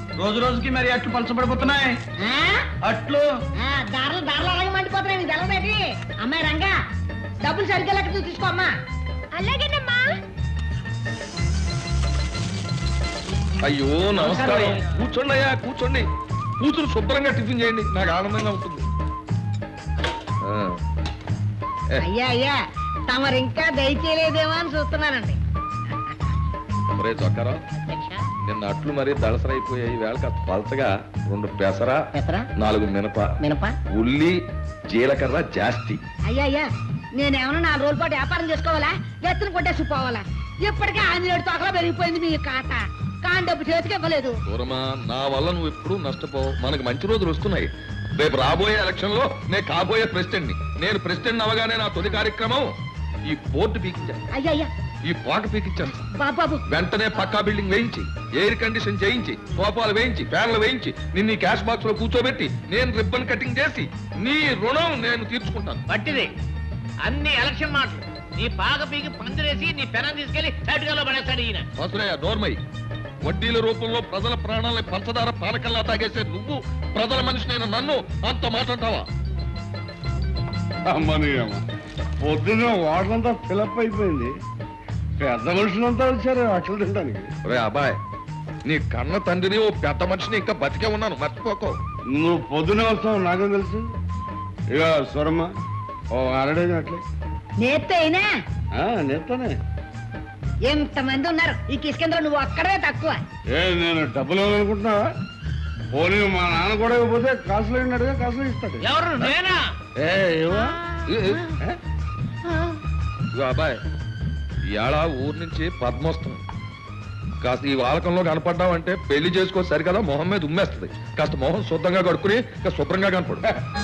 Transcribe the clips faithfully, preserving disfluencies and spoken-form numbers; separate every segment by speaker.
Speaker 1: రోజు రోజుకి మరి అట్లు పలచబడిపోతున్నాయి. అట్లు
Speaker 2: దారులు దారులు అలాగే మండిపోతున్నాయి. నీకు తెలవేటి? అమ్మాయి రంగా, డబ్బులు సరిగ్గా లెక్క తీసుకో అమ్మా. అలాగేనమ్మా.
Speaker 3: అయ్యో నమస్కారం. కూర్చోండి అయ్యా, కూర్చోండి. కూతురు శుభ్రంగా టిఫిన్ చేయండి, నాకు ఆనందంగా ఉంటుంది.
Speaker 2: అయ్యా అయ్యా, తమరు ఇంకా దయచేయలేదేమో అని చూస్తున్నానండి.
Speaker 3: మరే చొక్కారా, నిన్న అట్లు మరీ దళసరైపోయాయి. వేళ కాస్త పలచగా రెండు పెసర, నాలుగు మినప
Speaker 2: మినప
Speaker 3: ఉల్లి, జీలకర్ర జాస్తి.
Speaker 2: అయ్యా అయ్యా, నేనేమన్నా నాలుగు రోజుల పాటు వ్యాపారం చేసుకోవాలా? ఎత్తున కొట్టేసి పోవాలా? ఇప్పటికే ఆంజనేయుడు తోకలో పెరిగిపోయింది మీ కాట. కాని డబ్బు చేతికి ఇవ్వలేదు.
Speaker 3: దూరమా, నా వల్ల నువ్వు ఎప్పుడు నష్టపోవు. మనకు మంచి రోజులు వస్తున్నాయి. రేపు రాబోయే ఎలక్షన్ లో నేను కాబోయే ప్రెసిడెంట్ ని. నేను ప్రెసిడెంట్ అవగానే నా తొలి కార్యక్రమం ఈ బోర్డు పీకించాను.
Speaker 2: అయ్యా అయ్యా,
Speaker 3: ఈ పాట పీకించాను.
Speaker 2: బాబు
Speaker 3: వెంటనే పక్కా బిల్డింగ్ వేయించి, ఎయిర్ కండిషన్ చేయించి, సోఫాలు వేయించి, ఫ్యాన్లు వేయించి, నిన్ను క్యాష్ బాక్స్ లో కూర్చోబెట్టి నేను రిబ్బన్ కటింగ్ చేసి నీ రుణం నేను తీర్చుకుంటాను.
Speaker 4: పట్టిది అన్ని ఎలక్షన్ మాటలు. నీ పాక పీకి పందిరేసి నీ పెనం తీసుకెళ్లి తటుకల్లో పడేస్తాడు ఈయన.
Speaker 3: వసులయ్య నోర్మై, వడ్డీల రూపంలో ప్రజల ప్రాణాలని పంచదార పానకల్లా తాగేసే నువ్వు ప్రజల మనిషినైన నన్ను అంత మాట్లాడతావా?
Speaker 5: అమ్మని అమ్మ, పొద్దున్న వాటంతా ఫిలప్ అయిపోయింది. పెద్ద మనుషులంతా వచ్చారు అట్లు తినడానికి.
Speaker 3: రే అబ్బాయ్, నీ కన్న తండ్రిని ఓ పెద్ద మనిషిని ఇంకా బతికే ఉన్నాను, మర్చిపోకో.
Speaker 5: నువ్వు పొద్దునే వస్తావు నాకేం తెలుసు. ఇక స్వరమ్మ ఓ అరడేది అట్లే
Speaker 2: నేత్తే అయినా
Speaker 5: నేస్తానే.
Speaker 2: ఎంతమంది ఉన్నారు ఈ కిష్కేంద్ర, నువ్వు అక్కడే తక్కువ.
Speaker 5: ఏ నేను డబ్బులు ఇవ్వాలనుకుంటున్నావా? పోనీ మా నాన్న కూడా ఇవ్వకపోతే కాసులు అడిగా కాసులు ఇస్తాడు.
Speaker 4: ఎవరు? నేనా?
Speaker 5: ఏ ఇవ్వ
Speaker 3: అబ్బాయ్, ఇవాళ ఊరు నుంచి పద్మోత్సవం. కాస్త ఈ వాలకంలో కనపడ్డావంటే పెళ్లి చేసుకో సరికదా మొహం మీద ఉమ్మేస్తుంది. కాస్త మొహం శుద్ధంగా కడుక్కుని ఇంకా శుభ్రంగా కనపడు.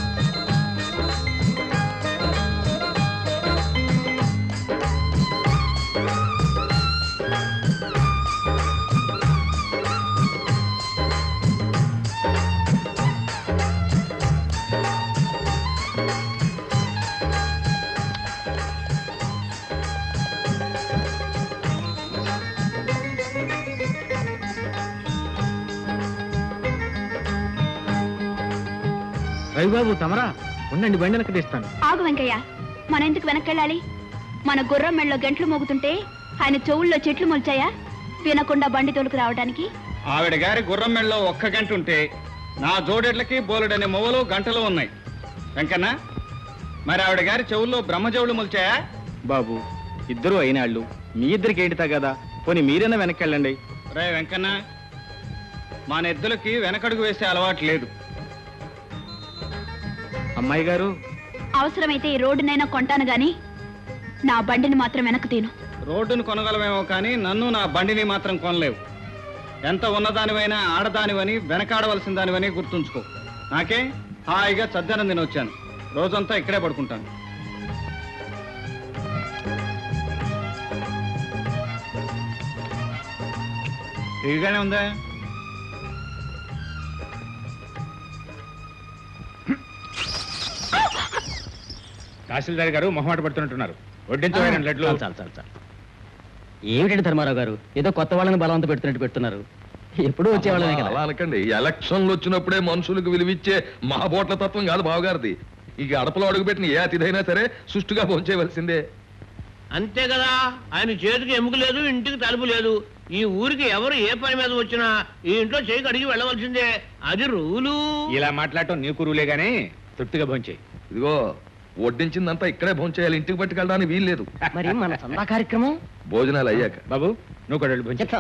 Speaker 6: రవిబాబు తమరా ఉండండి, బండి వెనక్కి తీస్తాను.
Speaker 7: ఆగు వెంకయ్య, మన ఎందుకు వెనక్కెళ్ళాలి? మన గుర్రం మెళ్ళలో గంటలు మోగుతుంటే ఆయన చెవుల్లో చెట్లు మొల్చాయా వినకుండా బండి తోలుకు రావడానికి?
Speaker 8: ఆవిడ గారి గుర్రం మెళ్ళలో ఒక్క గంట ఉంటే నా జోడెడ్లకి బోలెడనే మొవలు గంటలు ఉన్నాయి. వెంకన్న, మరి ఆవిడ గారి చెవుల్లో బ్రహ్మజవులు మొల్చాయా?
Speaker 6: బాబు, ఇద్దరు అయినాళ్ళు, మీ ఇద్దరికి ఏంటితా కదా, పోనీ మీరైనా వెనక్కెళ్ళండి.
Speaker 8: రే వెంకన్న, మా నెద్దులకి వెనకడుగు వేసే అలవాటు లేదు.
Speaker 6: అమ్మాయి గారు,
Speaker 7: అవసరమైతే ఈ రోడ్డునైనా కొంటాను గాని నా బండిని మాత్రం వెనక్కు తీను.
Speaker 8: రోడ్డును కొనగలమేమో కానీ నన్ను నా బండిని మాత్రం కొనలేవు. ఎంత ఉన్నదానివైనా ఆడదానివని వెనకాడవలసిన దానివని గుర్తుంచుకో. నాకే హాయిగా చద్దనం తిని వచ్చాను. రోజంతా ఇక్కడే పడుకుంటాను. ఇదిగానే ఉందా?
Speaker 6: తహసీల్దార్ గారు మొహమాట పడుతున్నట్టున్నారు. వడ్డించబడిన లడ్లు.
Speaker 9: చాలు చాలు చాలు. ఏమిటండి ధర్మారావు గారు, ఏదో కొత్త వాళ్ళని బలవంత పెడుతున్నట్టు పెడుతున్నారు. ఎప్పుడు వచ్చేవాళ్ళమే కదా.
Speaker 3: అలా అనకండి. ఎలక్షన్లు వచ్చినప్పుడే మనుషులకు విలువిచ్చే మా బోట్ల తత్వం కాదు బావగారిది. ఇక అడపలో అడుగుపెట్టిన ఏ అతిథైనా సరే సుష్టుగా భోంచేయవలసిందే.
Speaker 4: అంతే కదా. ఆయన చేతికి ఎముక లేదు, ఇంటికి తలుపు లేదు. ఈ ఊరికి ఎవరు ఏ పని మీద వచ్చినా ఈ ఇంట్లో చేయికి అడిగి వెళ్ళవలసిందే. అది రూలు.
Speaker 6: ఇలా మాట్లాడటం నీకు రూలే గానీ తృప్తిగా భోంచేయి.
Speaker 3: ఇదిగో వడ్డించిందంతా ఇక్కడే భోంచేయాలి, ఇంటికి పట్టుకెళ్ళడానికి వీలు లేదు.
Speaker 9: మరి మన సందా కార్యక్రమం
Speaker 3: భోజనాలు అయ్యాక.
Speaker 6: బాబు, నువ్వు కూడా భోంచేస్తాం.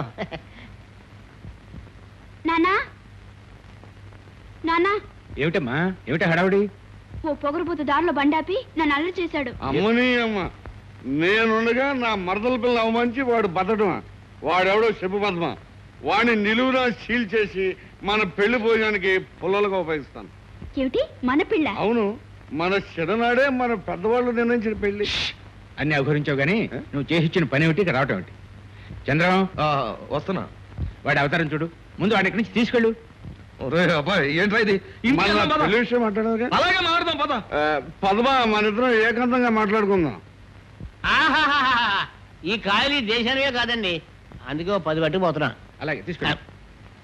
Speaker 7: నానా నానా,
Speaker 6: ఏమిటమ్మా, ఏమిటా హడావుడి?
Speaker 7: ఓ పొగరుబోతు దారిలో బండాపి నన్ను అల్లరి చేశాడు.
Speaker 5: అమ్మని అమ్మ, నేనుండగా నా మరదల పిల్ల అవమానించి వాడు బతడమా? వాడెవడో చెప్పు పద్మ. వాడిని నిలువునా సీల్ చేసి మన పెళ్లి భోజనానికి పుల్లలుగా ఉపయోగిస్తాను.
Speaker 7: ఏమిటి మన పిల్ల?
Speaker 5: అవును, మన చిన్ననాడే మన పెద్దవాళ్ళు నిర్ణయించిన పెళ్లి.
Speaker 6: అన్ని అవహరించావు గానీ నువ్వు చేసిచ్చిన పని ఏమిటి, రావటం ఏమిటి? చంద్రం,
Speaker 3: వస్తున్నా.
Speaker 6: వాడి అవతారం చూడు. ముందు వాడి ఇక్కడి నుంచి తీసుకెళ్ళు.
Speaker 3: అబ్బాయి ఏంట్రా ఇది?
Speaker 5: పెళ్లి విషయం మాట్లాడదు.
Speaker 3: అలాగే మాట్లాడదాం పద.
Speaker 5: పద్మ, మన ఇద్దరం ఏకాంతంగా మాట్లాడుకుందాం.
Speaker 4: ఆహాహా, ఈ కాయలు దేశానివే కాదండి, అందుకే పది పట్టుకుపోతున్నా.
Speaker 6: అలాగే తీసుకెళ్ళు.